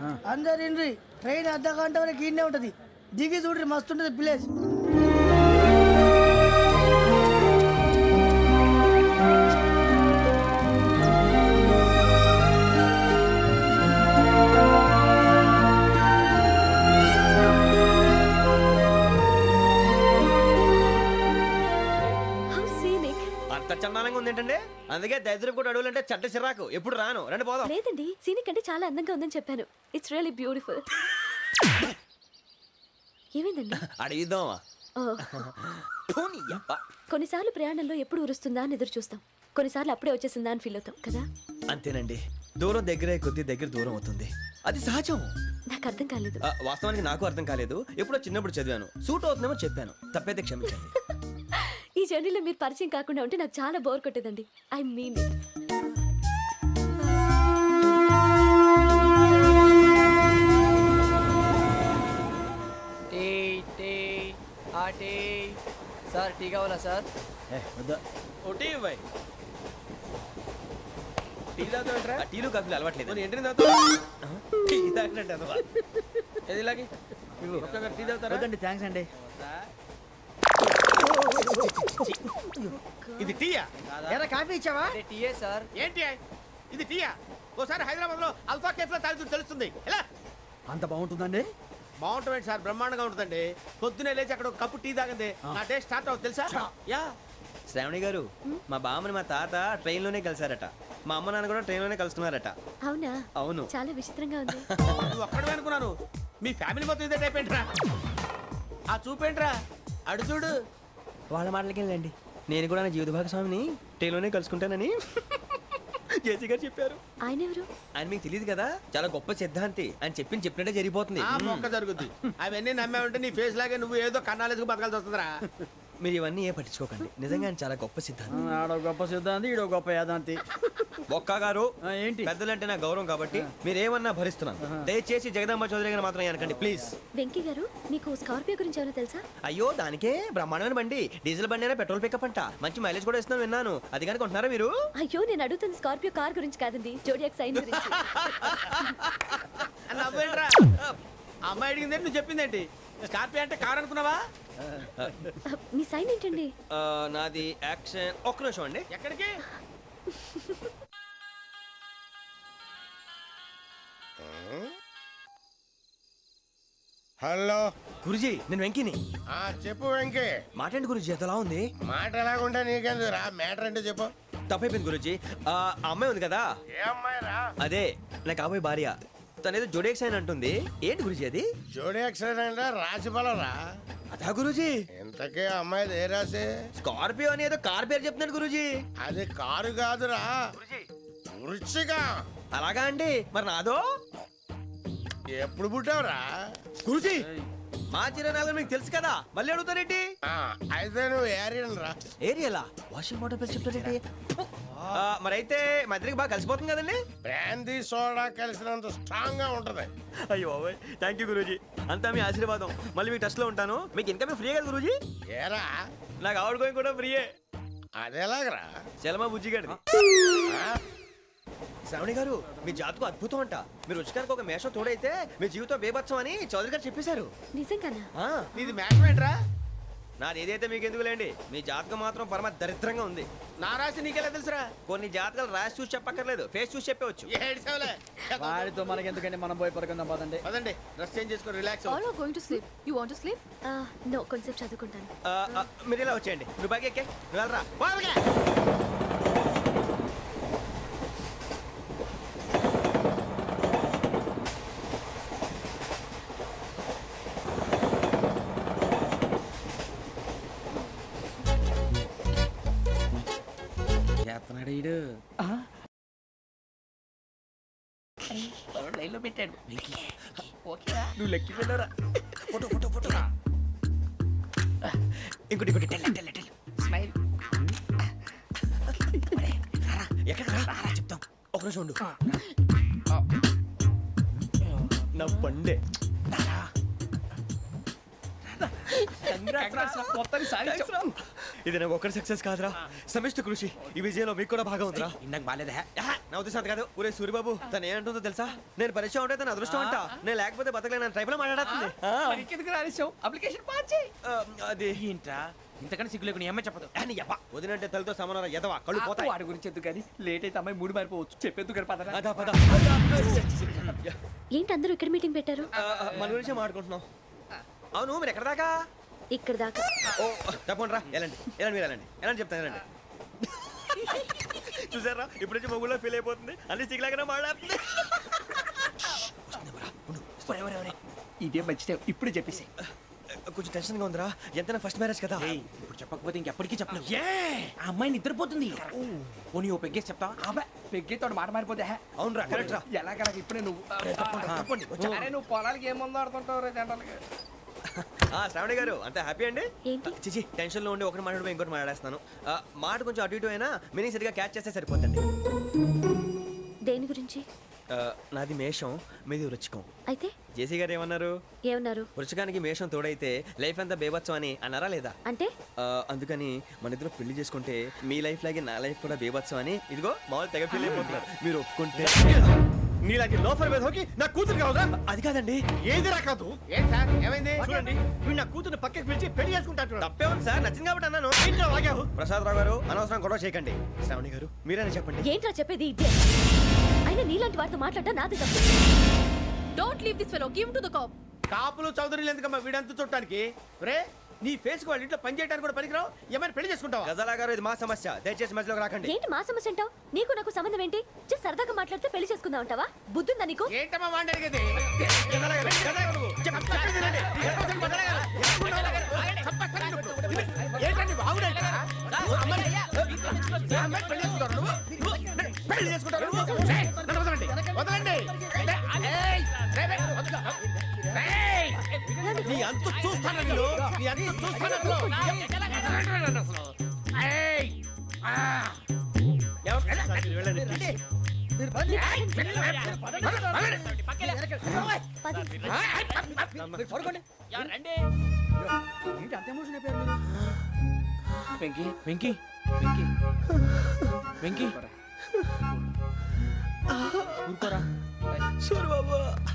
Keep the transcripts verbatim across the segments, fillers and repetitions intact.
అందరు ఇండ్రి ట్రైన్ అర్ధ గంట వరకు ఇన్నే ఉంటది. దిగి చూడ్రి మస్తు ఉంటది ప్లేస్. చందానంగా ఉంది ఏంటంటే, అందుకే దరిద్రం కూడా అడవులంటే చెడ్డ చిరాకు. ఎప్పుడు రాను, రండి పోదాం. లేదండి, సీనిక్ అంటే చాలా అందంగా ఉందని చెప్పాను. It's really beautiful. ఏమైందండి? అడిగిద్దామా? కొన్నిసార్లు ప్రయాణంలో ఎప్పుడు ఉరుస్తుందా అని ఎదురు చూస్తాం, కొన్నిసార్లు అప్పుడే వచ్చేసిందా అని ఫీల్ అవుతాం కదా. అంతేనండి, దూరం దగ్గరే కొద్ది దగ్గర దూరం అవుతుంది, అది సహజం. నాకు అర్థం కాలేదు. వాస్తవానికి నాకు అర్థం కాలేదు. ఎప్పుడో చిన్నప్పుడు చదివాను, సూట్ అవుతుందేమో చెప్పాను, తప్పైతే క్షమించండి. ఈ జర్నీలో మీరు పరిచయం కాకుండా ఉంటే నాకు చాలా బోర్ కొట్టేదండి. I mean it. Tea tea ఆ టీ సార్, టీ కావాలా సార్? టీ ఇవ్వాయి. టీ తాగుతాంట్రా? టీలు కాఫీలు అలవాట్లేదు. ఏంటి టీ తాగినట్టు అదవా? ఏది ఇలాగే టీ తాగుతారా? థ్యాంక్స్ అండి. ఇది టీయా? ఎరా కాఫీ ఇచ్చావా? టీయే సార్. ఏంటి ఇది టీయా? ఓసారి హైదరాబాద్ లో అల్ఫా కేఫ్ లో తాగుతూ తెలుస్తుంది. ఎలా అంత బాగుంటుందండి? బాగుంటుంది సార్, బ్రహ్మాండంగా ఉంటుందండి. పొద్దునే లేచి అక్కడ ఒక కప్పు టీ తాగింది నా డే స్టార్ట్ అవుతుంది తెలుసా? యా. శ్రావణి గారు, మా బామ్మని మా తాత ట్రైన్ లోనే కలిసారట, మా అమ్మ నాన్న కూడా ట్రైన్ లోనే కలుస్తున్నారట. అవునా? అవును. చాలా విచిత్రంగా ఉంది. నువ్వు ఒక్కడే అనుకున్నాను, మీ ఫ్యామిలీ మొత్తం ఇదే టైప్ ఏంట్రా? ఆ చూపేంట్రా, అడు చూడు. వాళ్ళ మాటలకి వెళ్ళండి, నేను కూడా నా జీవిత భాగస్వామిని ట్రైన్ లోనే కలుసుకుంటానని జేసీ గారు చెప్పారు. ఆయన ఎవరు? ఆయన మీకు తెలియదు కదా, చాలా గొప్ప సిద్ధాంతి అని చెప్పింది చెప్పినట్టే జరిగిపోతుంది. ఆ మొక్క జరుగుద్ది. అవన్నీ నమ్మే ఉంటే నీ ఫేస్ లాగే నువ్వు ఏదో కన్నాలేసుకు బతకాల్సి వస్తుందిరా. మీరు ఇవన్నీ ఏ పట్టించుకోకండి, నిజంగా ఆయన చాలా గొప్ప సిద్ధాంతి. ఆడో గొప్ప సిద్ధాంతి, ఈడో గొప్ప యాదాంతి. ఒక్క గారు ఏంటి? పెద్దలంటే నా గౌరవం కాబట్టి మీరు ఏమన్నా భరిస్తున్నాను. దయచేసి జగదాంబ చౌదరి గారు మాత్రం అనకండి ప్లీజ్. వెంకీ గారు, మీకు స్కార్పియో గురించి ఏమైనా తెలుసా? అయ్యో, దానికే బ్రహ్మాండమైన బండి, డీజిల్ బండి అయినా పెట్రోల్ పికప్ అంట, మంచి మైలేజ్ కూడా ఇస్తున్నాను విన్నాను. అది కానీ కొంటున్నారా మీరు? అయ్యో, నేను అడుగుతుంది స్కార్పియో కార్ గురించి కాదండి, జోడియాక్ సైన్ గురించి. నవ్వేంట్రా? అమ్మాయి అడిగింది నువ్వు చెప్పిందేంటి? స్కార్పియో అంటే కార్ అనుకున్నావా? మీ సైన్ ఏంటండి? ఆ, నాది యాక్షన్. ఒక్క నిమిషం అండి. ఎక్కడికి? హలో గురుజీ, నేను వెంకిని. ఆ చెప్పు వెంకీ. మాటండి గురుజీ, అదలా ఉంది. మాట ఎలాగుంటా నీకెందుకు రా, మ్యాటర్ అంటే చెప్పు. తప్పైపోయింది గురుజీ. ఆ అమ్మాయి ఉంది కదా, ఏ అమ్మాయి రా? అదే నా కాబోయే భార్య. తనేదో జోడేక్స్ అని అంటుంది. ఏంటి గురుజీ అది? జోడి యాక్సిడెంట్ రాసి రా. అదా గురుజీ? ఇంతకే అమ్మాయిది ఏ రాసి? స్కార్పియో అని ఏదో కార్ పేరు చెప్తున్నాడు గురుజీ. అది కారు కాదురా, వృచ్చిక. అలాగా అండి, మరి నాదో? ఎప్పుడు పుట్టావురా? గురుజీ, మా చిరనాలు మీకు తెలుసు కదా, మళ్ళీ అడుగుతారేంటి? ఆ, అయితే నువ్వు ఏరియన్ రా. ఏరియలా? వాషింగ్ వాటర్ పేరు చెప్తారేంటి? మరి అయితే మా ఇద్దరికి బాగా కలిసిపోతుంది కదండి. బ్రాందీ సోడా కలిసినంత స్ట్రాంగ్ గా ఉంటది. అయ్యో థ్యాంక్ యూ గురూజీ, అంతా మీ ఆశీర్వాదం. మళ్ళీ మీకు టచ్ లో ఉంటాను. మీకు ఇన్కమ్ ఫ్రీ కదా గురూజీ? ఏరా, నాకు ఆవిడ గోయింగ్ కూడా ఫ్రీయే. అదేలాగరా? చలమా బుజ్జి గారిది. శ్రావణి గారు, మీ జాతకు అద్భుతం అంట. మీరు రుచికారికి ఒక మేషం తోడైతే మీ జీవితం బేబత్సం అని చౌదరి గారు చెప్పేశారు. నిజంగానా? నీది మ్యాటర్ ఏంట్రా? నాది ఏదైతే మీకు ఎందుకు లేండి, మీ జాతకం మాత్రం పరమ దరిద్రంగా ఉంది. నా రాసి నీకెలా తెలుసురా? కొన్ని జాతకాలు రాసి చూసి చెప్పక్కర్లేదు, ఫేస్ చూసి చెప్పవచ్చు. ఏడ్చావులే. వాడితో మనకి ఎందుకంటే మనం పోయి పడుకుందాం పదండి. పదండి, డ్రెస్ చేంజ్ చేసుకొని relax. All are going to sleep. You want to sleep? No, కొంచెం చదువుకుంటాను. ఆ, ఆ, మీరు ఇలా వచ్చేయండి. నువ్వు బాగా ఎక్కే, నువ్వు వెళ్ళరా. వాళ్ళకే చేస్తున్నాడు ఈడు. లైన్ లో పెట్టాడు. నువ్వు లెక్కి వెళ్ళరా. ఫోటో ఫోటో ఫోటో ఇంకోటి ఇంకోటి టెల్ టెల్ టెల్ స్మైల్. ఎక్కడ రారా చెప్తాం. ఒక నిమిషం ఉండు. నా పండే మొత్తాన్ని సాధించాం. ఇది నాకు ఒక్కరి సక్సెస్ కాదురా, సమిష్టి కృషి. ఈ విజయంలో మీకు కూడా భాగం ఉందిరా. ఇందాక బాగాలేదా? ఆహా, నా ఉద్దేశం అది కాదు. ఊరే సూరిబాబు తను ఏమంటుందో తెలుసా? నేను పరిచయం ఉంటే తన అదృష్టం అంట, నేను లేకపోతే బతకలేను ట్రైబ్ లో మాట్లాడుతుంది. ఆ, ఎందుకు రాలేసావు? అప్లికేషన్ పాస్ చేయి. ఆ, అది ఏంట్రా ఇంతకన్నా సిగ్గు లేకుండా ఏమై చెప్పదు. అని యవ్వ, వదినంటే తలతో సమానం ఎదవా, కళ్ళు పోతాయి. వాడి గురించి ఎందుకు కానీ లేట్ అయితే అమ్మాయి మూడు మారిపోవచ్చు. చెప్పేందుకు కానీ పదరా. అదా పద. ఏంటి అందరూ ఇక్కడ మీటింగ్ పెట్టారు? ఆ, ఆ, మన గురించి మాట్లాడుకుంటున్నాం. అవును మీరు ఎక్కడ దాకా? ఇక్కడ దాకా. ఓ తప్పకుండా రా, వెళ్ళండి వెళ్ళండి మీరు వెళ్ళండి వెళ్ళండి చెప్తాను వెళ్ళండి. చూసారా ఇప్పుడు నుంచి మొగుల్లో ఫీల్ అయిపోతుంది, అన్ని సిగ్లాగానే మాట్లాడుతుంది. ఇదే మంచి ఇప్పుడు చెప్పేసి. కొంచెం టెన్షన్గా ఉందిరా, ఎంతైనా ఫస్ట్ మ్యారేజ్ కదా. ఇప్పుడు చెప్పకపోతే ఇంకెప్పటికీ చెప్పలేవు. ఆ అమ్మాయి నిద్రపోతుంది. పోనీ ఓ పెగ్గేసి చెప్తావా? అబ్బా పెగ్గేతో మాట మారిపోతే అవునరా కరెక్ట్ రా. ఎలాగలా ఇప్పుడే నువ్వు తప్పండి వచ్చా. అరే నువ్వు పొలాలకి ఏం ముందు ఆడుతుంటావు రే జనరల్గా. ఆ, శ్రావణి గారు అంతా హ్యాపీ అండి? ఏంటి? చిచి టెన్షన్ లో ఉండి ఒకటి మాట్లాడిపోయి ఇంకోటి మాట్లాడేస్తాను. ఆ, మాట కొంచెం అటు ఇటు అయినా మీనింగ్ సరిగా క్యాచ్ చేస్తే సరిపోతుంది. దేని గురించి? ఆ, నాది మేషం, మీది వృచ్చికం. అయితే జేసీ గారు ఏమన్నారు? ఏమన్నారు? వృచ్చికానికి మేషం తోడైతే లైఫ్ అంతా బేబత్సం అని అన్నారా లేదా? అంటే ఆ, అందుకని మన ఇద్దరు పెళ్లి చేసుకుంటే మీ లైఫ్ లాగే నా లైఫ్ కూడా బేబత్సం అని ఇదిగో మామూలు తెగ ఫీల్ అయిపోతున్నారు. మీరు ఒప్పుకుంటే నీలాంటి లోఫర్ మీద హోకి నా కూతురు కావదా? అది కాదండి. ఏది రాకాదు? ఏం సార్ ఏమైంది? చూడండి వీడు నా కూతురు పక్కకి పిలిచి పెళ్లి చేసుకుంటాడు. తప్పే ఉంది సార్, నచ్చింది కాబట్టి అన్నాను. ఏంటో వాగావు? ప్రసాద్ రావు గారు అనవసరం గొడవ చేయకండి. శ్రావణి గారు మీరైనా చెప్పండి. ఏంట్రా చెప్పేది? ఇదే అయినా నీలాంటి వారితో మాట్లాడటం నాది తప్పు. Don't leave this fellow. Give him to the cop. కాపులు చౌదరులు ఎందుకమ్మా వీడంతా చుట్టానికి? రే నీ ఫేస్ కు వాళ్ళ ఇంట్లో పని చేయడానికి కూడా పనికిరావు. ఏమైనా పెళ్లి చేసుకుంటావా? గజాలా గారు ఇది మా సమస్య, దయచేసి మధ్యలోకి రాకండి. ఏంటి మా సమస్య అంటావు? నీకు నాకు సంబంధం ఏంటి? జస్ట్ సరదాగా మాట్లాడితే పెళ్లి చేసుకుందాం అంటావా? బుద్ధుందా నీకు? ఏంటమ్మా వాడిని అడిగేది? గజాలా గారు, గజాలా గారు నువ్వు. చెప్ప- చెప్పేది వినండి. ఏంటండి బాగుండేట? పెళ్లి చేసుకుంటారు నువ్వు? నువ్వు పెళ్లి చేసుకుంటారు నువ్వు? రేయ్, నన్ను వదలండి వదలండి. రేయ్, రేయ్, రేయ్, వదలు. రేయ్, నీ అంత చూస్తాను నేను, నీ అంత చూస్తాను అసలు. అసలు. ఏయ్, ఆ. ఎవరు- వెళ్ళండి, వెళ్ళండి. పది. ఏంటి అంత ఎమోషన్ అయిపోయారు మీరు? వెంకీ వెంకీ వెంకీ వెంకీ ఊరుకోరా. సూరిబాబు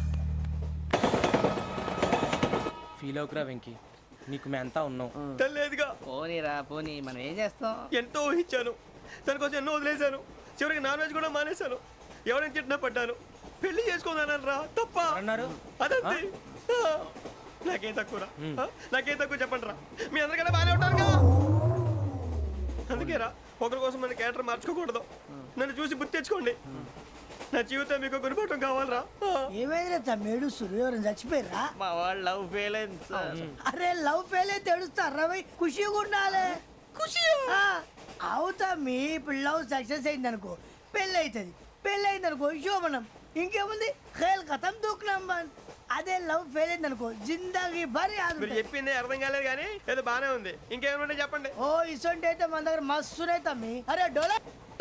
ఫీల్ అవుకురా వెంకీ, నీకు మేమంతా ఉన్నాం. తెలియదుగా. పోనీరా పోనీ, మనం ఏం చేస్తాం? ఎంతో ఊహించాను, తన కోసం ఎన్నో వదిలేశాను, చివరికి నాన్ వెజ్ కూడా మానేశాను. ఎవరైనా తిట్టినా పడ్డాను. పెళ్లి చేసుకోదానని రా తప్ప అన్నారు అదంతే. ఆ, నాకేం తక్కువరా? ఆ, నాకేం తక్కువ చెప్పండి రా. మీ అందరికన్నా బాగానే ఉంటారు కదా. అందుకే రా, ఒకరి కోసం మన క్యారెక్టర్ మార్చుకోకూడదు. నన్ను చూసి గుర్తు తెచ్చుకోండి. నా జీవితం మీకు గురిపటం కావాలరా. ఆ. ఏమైనా తమ్మేడు సురు ఎవరైనా చచ్చిపోయిరా? మా వాళ్ళు లవ్ ఫెయిల్ అయింది సార్. అరే లవ్ ఫెయిల్ అయితే ఏడుస్తారా భయ్? ఖుషిగా ఉండాలి. ఖుషి అవుతా మీ ఇప్పుడు లవ్ సక్సెస్ అయింది అనుకో పెళ్ళి అవుతుంది. పెళ్ళి అయింది అనుకో శోభనం. ఇంకేముంది ఖేల్ కథం దూకునాం బాన్. అదే లవ్ ఫెయిల్ అయింది అనుకో జిందాగీ భారీ మీరు చెప్పింది అర్థం కాలేదు కానీ ఏదో బానే ఉంది. ఇంకేమైనా చెప్పండి. ఓ ఇసొంటి అయితే మన దగ్గర మస్తునే తమ్మి. అరే డోలా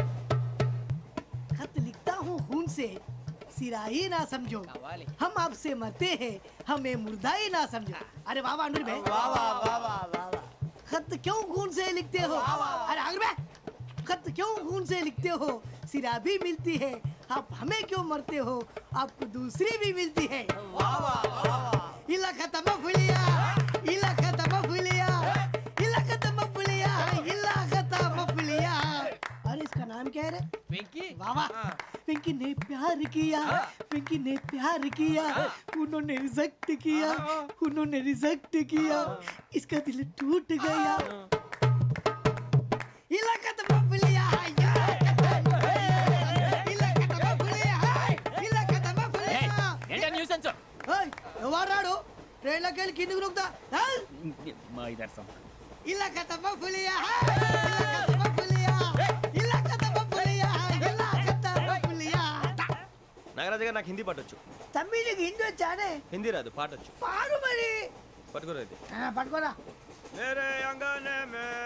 खत लिखता हूँ खून से सिरा ही ना समझो हम आपसे मरते हैं हमें मुर्दा ही ना समझो. अरे वाह वाह अनुर भाई वाह वाह वाह वाह वाह खत क्यों खून से लिखते हो? अरे अनुर भाई खत क्यों खून से लिखते हो? सिरा भी मिलती है आप हमें क्यों मरते हो? आपको दूसरी भी मिलती है. वाह वाह वाह इला खत्म फुलिया इला खत्म फुलिया इला खत्म फुलिया इला खत्म फुलिया. अरे इसका नाम क्या है रे? వెంకీ वाह पिंकी ने प्यार किया पिंकी ने प्यार किया उन्होंने रिजेक्ट किया उन्होंने रिजेक्ट किया इसका दिल टूट गया. इलाका तो बबलिया इलाका तो बबलिया इलाका तो बबलिया. ఏంటా న్యూసెన్స్? ओए ఎవరాడు ట్రైన్ లోకి వెళ్ళి కిందికి నొక్కుతా. మా ఇదర్సం ఇలాకా तो बबलिया इलाका तो बबलिया इलाका तो बबलिया इलाका तो बबलिया. నాగరాజు గారు నాకు హిందీ పాటొచ్చు. తమ్మి నీకు హిందీ వచ్చానే? హిందీ రాదు, పాటొచ్చు. పాడు మరి. పట్టుకోరు ఇది. ఆ, పట్టుకోరా. मेरे अंगने में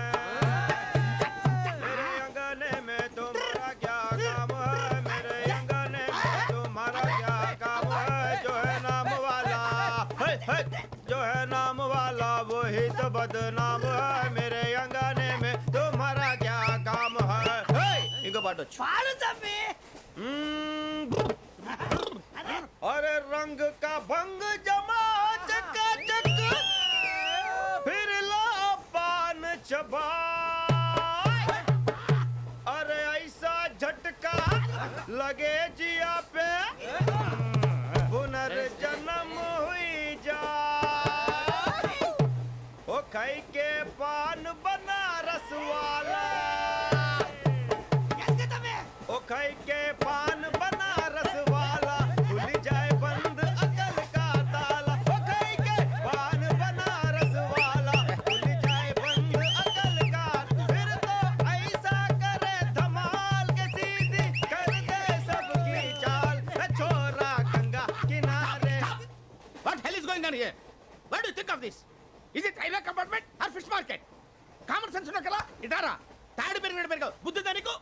मेरे अंगने में तुम्हारा क्या काम है? मेरे अंगने में तुम्हारा क्या काम है? जो है नाम वाला है, है, जो है नाम वाला वही तो बदनाम है. मेरे अंगने పాడొచ్చు పాడు తమ్మి. अरे रंग का भंग जमा चका चक फिर ला पान चबा अरे ऐसा झटका लगे जिया पे पुनर्जन्म हुई जा ओ खाई के पान बना रस वाला ओ खाई के पान बना रस वाला खुल जाए बंद अकल का ताला ओ खाई के पान बना रस वाला खुल जाए बंद अकल का फिर तो ऐसा करे धमाल के सीधी कर दे सबकी चाल ए छोरा गंगा किनारे What hell is going on here? What do you think of this? Is it railway compartment or fish market? Common sense ఉన్నా కదా ఇటారా తాడు పెరిగినట్టు పెరిగావు బుద్ధి దానికి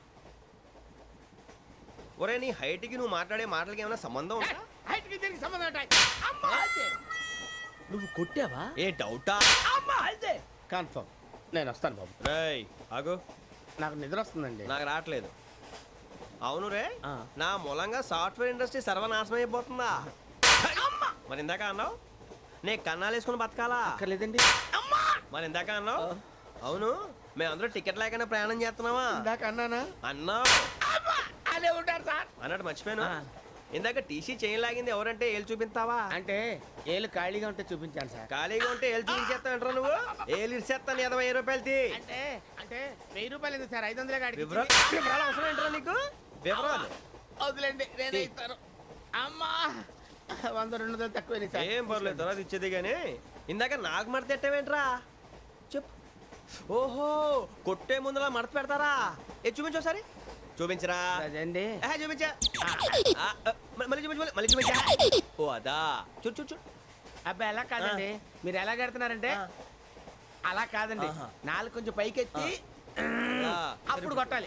ఒరే నీ హైట్ కి నువ్వు మాట్లాడే మాటలకి ఏమైనా సంబంధం ఉందా హైట్ కి దీనికి సంబంధం ఉంటాయి అమ్మా అదే నువ్వు కొట్టావా ఏ డౌటా అమ్మా అదే కన్ఫర్మ్ నేను వస్తాను బాబు రేయ్ ఆగు నాకు నిద్ర వస్తుందండి నాకు రావట్లేదు అవును రే ఆ. నా మూలంగా సాఫ్ట్వేర్ ఇండస్ట్రీ సర్వనాశనం అయిపోతుందా మరి ఇందాక అన్నావు నే కన్నాలు వేసుకుని బతకాలా అక్కర్లేదండి అమ్మా మరి ఇందాక అన్నావు అవును మేమందరూ టికెట్ లేకుండా ప్రయాణం చేస్తున్నావా ఇందాక అన్నానా అన్నావు అమ్మా అదే ఉంటారు సార్ అన్నట్టు మర్చిపోయాను ఆ. ఇందాక టీసీ చైన్ లాగింది ఎవరంటే ఏళ్ళు చూపిస్తావా అంటే ఏళ్ళు ఖాళీగా ఉంటే చూపించాను సార్ ఖాళీగా ఉంటే ఏళ్ళు చూపించేస్తావు నువ్వు ఏళ్ళు ఇచ్చేస్తాను ఇరవై ఐదు రూపాయలది అంటే అంటే వెయ్యి రూపాయలు ఎందుకు సార్ ఐదు వందలే కాడికి వివరాలు వివరాలు అవసరం ఏంట్రా నీకు వివరాలు వదిలేండి నేనే ఇస్తాను అమ్మా వంద రెండు వందలు తక్కువ సార్ ఏం పర్లేదు తర్వాత ఇచ్చేది కానీ ఇందాక నాకు మడత పెట్టావేంట్రా చెప్పు ఓహో కొట్టే ముందులా మడత పెడతారా ఏ చూపించు ఒకసారి చూపించరా అదండి ఆహా, చూపించా ఆ, ఆ, మ- మళ్ళీ చూపించు మళ్ళీ- మళ్ళీ చూపించా ఓ అదా చూడు చూడు చూడు అబ్బాయి ఎలా కాదండి మీరు ఎలా కడుతున్నారంటే అలా కాదండి నాలుగు కొంచెం పైకెత్తి ఆ, అప్పుడు కొట్టాలి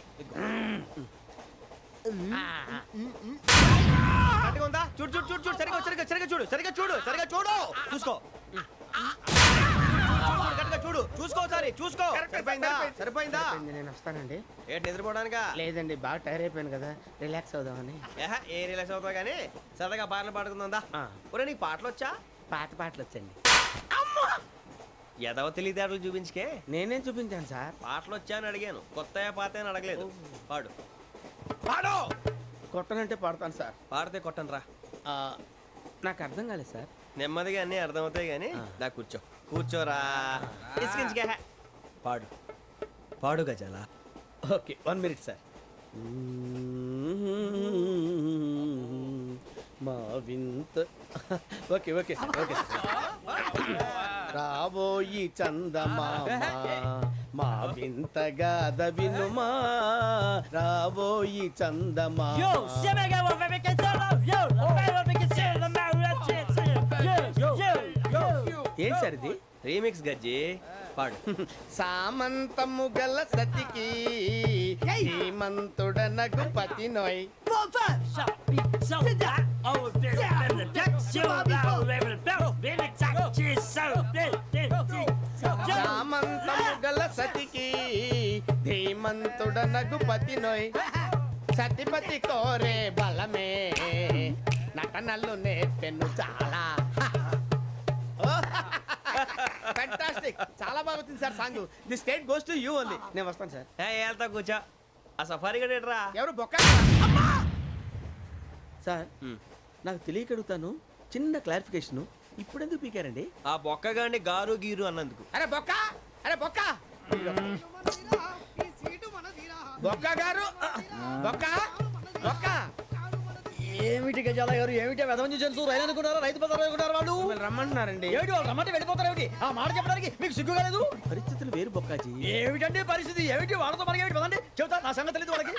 ఆ, ఆ. కరెక్ట్గా ఉందా చూడు చూడు చూడు చూడు సరిగా సరిగా సరిగా చూడు సరిగా చూడు సరిగా చూడు చూసుకో చూడు, కరెక్ట్గా చూడు చూసుకో ఒకసారి చూసుకో సరిపోయిందా సరిపోయిందా సరిపోయింది, నేను వస్తానండి ఏంటి నిద్రపోవడానికా లేదండి బాగా టైర్ అయిపోయాను కదా రిలాక్స్ అవుదామని ఏహా, ఏ రిలాక్స్ అవుతావు కానీ సరదాగా పాటలు పాడుకుందా ఆ. ఒరే నీకు పాటలు వచ్చా పాత పాటలు వచ్చండి ఎదవ తెలివితేటలు చూపించుకే నేనేం చూపించాను సార్ పాటలు వచ్చా అని అడిగాను కొత్త పాత అని అడగలేదు పాడు పాడు కొట్టనంటే పాడతాను సార్ పాడితే కొట్టను రా ఆ, నాకు అర్థం కాలేదు సార్ నెమ్మదిగా అన్నీ అర్థమవుతాయి కానీ దా కూర్చో కూర్చోరా ఇసుకించుకే పాడు పాడు గజాల ఓకే వన్ మినిట్ సార్ మా వింత okay okay sir okay sir రాబోయి చందమామ మా వింతగా దవినుమా రాబోయి చందమా ఏం సార్ ఇది రీమిక్స్ గజ్జి పాడు సామంతము గల సతికి హేమంతుడనగు పతి నోయ్ సామంతము గల సతికి ధీమంతుడనగు పతి నోయ్ సతిపతి కోరే బలమే నటనలు నేర్పెను చాలా ఫ్యాంటాస్టిక్ చాలా బాగా వచ్చింది sir song the state goes to you only నేను వస్తాను సార్ ఏ వెళ్తా కూర్చో ఆ సఫారీ గడేట్రా ఎవరు బొక్క సార్ నాకు తెలియక అడుగుతాను చిన్న క్లారిఫికేషన్ ఇప్పుడెందుకు పీకారండి ఆ బొక్క గాని గారు గీరు అన్నందుకు అరే బొక్క అరే బొక్క ఈ సీటు మనదిరా. బొక్క గారు బొక్క బొక్క ఏమిటి గజాల గారు ఏమిటి వెదవం చూసాను రైలు అనుకున్నారా రైతు బజార్ అనుకున్నారు వాళ్ళు మిమ్మల్ని రమ్మంటున్నారండి ఏమిటి వాళ్ళు రమ్మంటే వెళ్ళిపోతారు ఏమిటి ఆ మాట చెప్పడానికి మీకు సిగ్గు కాలేదు పరిస్థితులు వేరు బొక్కాజీ ఏమిటండి పరిస్థితి ఏమిటి వాళ్ళతో మనకి ఏమిటి పదండి చెబుతా నా సంగతి తెలియదు వాళ్ళకి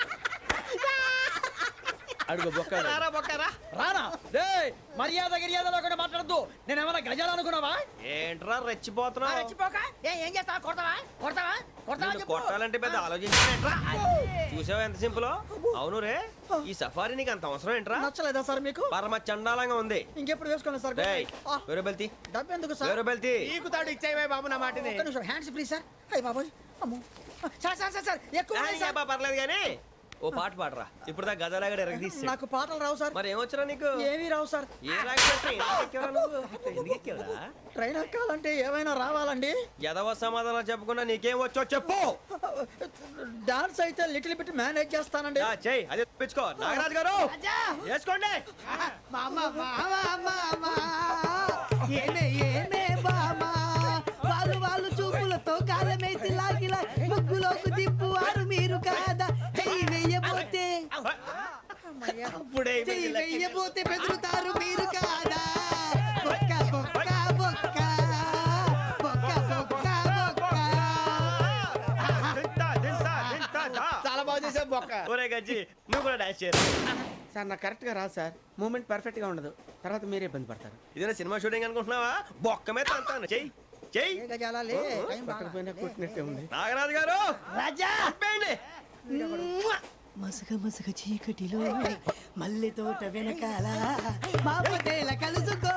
అడుగు బొక్క రారా బొక్కరా రానా రే మర్యాద గిర్యాద లేకుండా మాట్లాడద్దు నేను ఏమన్నా గజాలు అనుకున్నావా ఏంట్రా రెచ్చిపోతున్నావు రెచ్చిపోక ఏ ఏం చేస్తావా కొడతావా కొడతావా కొడతావా నిన్ను చెప్పు. కొట్టాలంటే పెద్ద ఆలోచించారా చూసావా ఎంత సింపుల్ అవును రే ఈ సఫారీ నీకు అంత అవసరం ఏంట్రా నచ్చలేదా సార్ మీకు పరమ చండాలంగా ఉంది ఇంకెప్పుడు వేసుకోండి సార్ డేయ్, ఆ, వేరే బెల్తి డబ్బు ఎందుకు సార్ వేరే బెల్తి నీకు తాడు ఇచ్చాయి బాబు నా మాటని ఒక్క నిమిషం హ్యాండ్స్ ఫ్రీ సార్ అయ్యి బాబోయ్ అమ్మో సార్ సార్ సార్ సార్ ఎక్కువ ఉన్నాయి సార్. పర్లేదు కానీ ఓ పాట పాడరా ఇప్పుడు దా గదలాగడ ఎరగదీసి నాకు పాటలు రావు సార్. మరి ఏమొచ్చరా నీకు ఏమీ రావు సార్. ఏ రాకపోతే ఎందుకు ఎక్కేవరా నువ్వు? ఎందుకు ఎక్కేవరా? ట్రైన్ ఎక్కాలంటే ఏమైనా రావాలండి? ఎదవ సమాధానం చెప్పకుండా నీకేం వచ్చో చెప్పు. డాన్స్ అయితే లిటిల్ బిట్ మేనేజ్ చేస్తానండి. ఆ, చెయ్ అదే తెప్పించుకో. నాగరాజు గారు వేసుకోండి. మామ మామ మామ ఏమే ఏమే బామా వాళ్ళు వాళ్ళు చూపులతో కాలమేసి లాగిలా ముగ్గులోకి తిప్పువారు మీరు కాదా? చెయ్యి వెయ్యబోతే అప్పుడే చెయ్యి వెయ్యబోతే బెదురుతారు మీరు కాదా? బొక్క బొక్క బొక్క బొక్క బొక్క బొక్క. దింతా, దింతా, దింతా, దా. చాలా బాగా చేసావు బొక్క. ఒరే గజ్జి నువ్వు కూడా డాన్స్ చేయరు. సార్ నాకు కరెక్ట్ గా రాదు సార్. మూమెంట్ పర్ఫెక్ట్ గా ఉండదు, తర్వాత మీరే ఇబ్బంది పడతారు. ఇదేనా సినిమా షూటింగ్ అనుకుంటున్నావా? బొక్క మీద అంటాను. చెయ్యి చెయ్యి. ఏ గజాలా లే, టైం బాగా. పట్టకపోయినా కొట్టినట్టే ఉంది. నాగరాజు గారు రాజా చెప్పండి. మసగ మసగ చీకటిలో మల్లె తోట వెనకాల మా పటేల కలుసుకో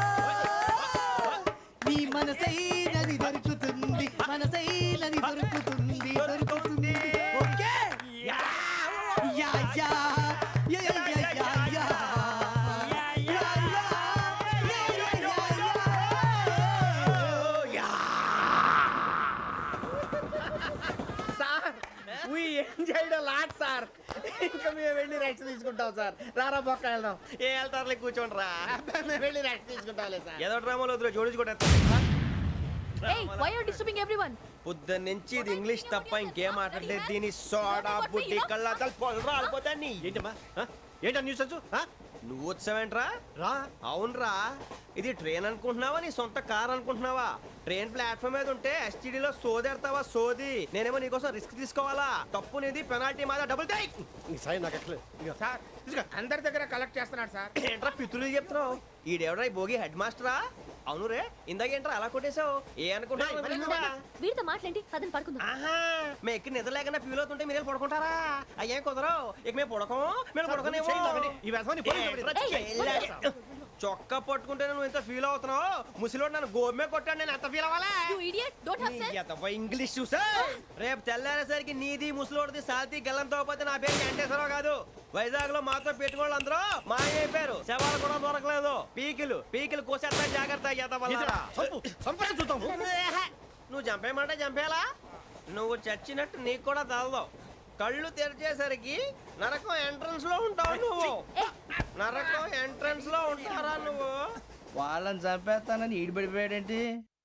నీ మనసైనది దొరుకుతుంది మనసైనది దొరుకుతుంది దొరుకుతుంది okay yeah yeah yeah yeah yeah yeah yeah yeah yeah yeah. Sir we enjoyed a lot sir. ఇంకా మేము వెళ్ళి రెస్ట్ తీసుకుంటాం సార్. రారా బొక్క వెళ్దాం. ఏ వెళ్తారులే కూర్చోండి రా. అబ్బాయి, మేము వెళ్ళి రెస్ట్ తీసుకుంటాంలే సార్. ఏదో డ్రామాలో వద్దు జోడించుకుంటా. Hey, why are you disturbing everyone? పొద్దున్న నుంచి ఇది ఇంగ్లీష్ తప్ప ఇంకేం మాట్లాడలేదు. దీని సోడా బుద్ధి కళ్ళ పొలు రాలిపోతా నీ. ఏంటమ్మా ఆ? ఏంటా న్యూస్ ఆ? నువ్వు వచ్చావేంట్రా? రా. అవునరా, ఇది ట్రైన్ అనుకుంటున్నావా నీ సొంత కార్ అనుకుంటున్నావా? ట్రైన్ ప్లాట్ఫామ్ మీద ఉంటే ఎస్టీడీలో సోదేడతావా సోది. నేనేమో నీకోసం రిస్క్ తీసుకోవాలా? తప్పు నీది, పెనాల్టీ మాదా, డబుల్ టై. నీ సాయి నాకు ఎక్కలేదు. ఇదిగో. సార్ ఇదిగో, అందరి దగ్గర కలెక్ట్ చేస్తున్నాడు సార్. ఏంట్రా పితులు చెప్తున్నావు? ఈడెవడ్రా ఈ భోగి హెడ్ మాస్టరా? అవును రే, ఇందాకేంట్రా అలా కొట్టేశావు? ఏ అనుకుంటున్నావు? వీరితో మాట్లాడి పదని పడుకుందాం. ఆహా, మేము ఎక్కి నిద్ర లేకుండా ఫీల్ అవుతుంటే మీరు పడుకుంటారా? అయ్యేం కుదరవు. ఇక మేము పడకం మేము పడకనేమో. ఈ వ్యసనాన్ని పోలీసులు చొక్కా పట్టుకుంటే నువ్వు ఎంత ఫీల్ అవుతున్నావు? ముసలివాడు నన్ను గోమే కొట్టాడు, నేను ఎంత ఫీల్ అవ్వాలా? You idiot! Don't have sense. English చూసా. రేపు తెల్లారేసరికి నీది ముసలోడిది సాతి గల్లంతో పోతే నా పేరు వెంకటేశ్వరరావు కాదు. వైజాగ్ లో మాతో పెట్టుకోళ్ళు అందరూ మాయైపోయారు. శవాలు కూడా దొరకలేదు. పీకిలు పీకిలు కోసేస్తా జాగ్రత్త. చూద్దాము. నువ్వు చంపేయమంటే చంపేలా? నువ్వు చచ్చినట్టు నీకు కూడా తగదు. కళ్ళు తెరిచేసరికి నరకం ఎంట్రన్స్ లో ఉంటావు నువ్వు. నరకం ఎంట్రన్స్ లో ఉంటారా నువ్వు? వాళ్ళని చంపేస్తానని ఈడిపడిపోయాడేంటి?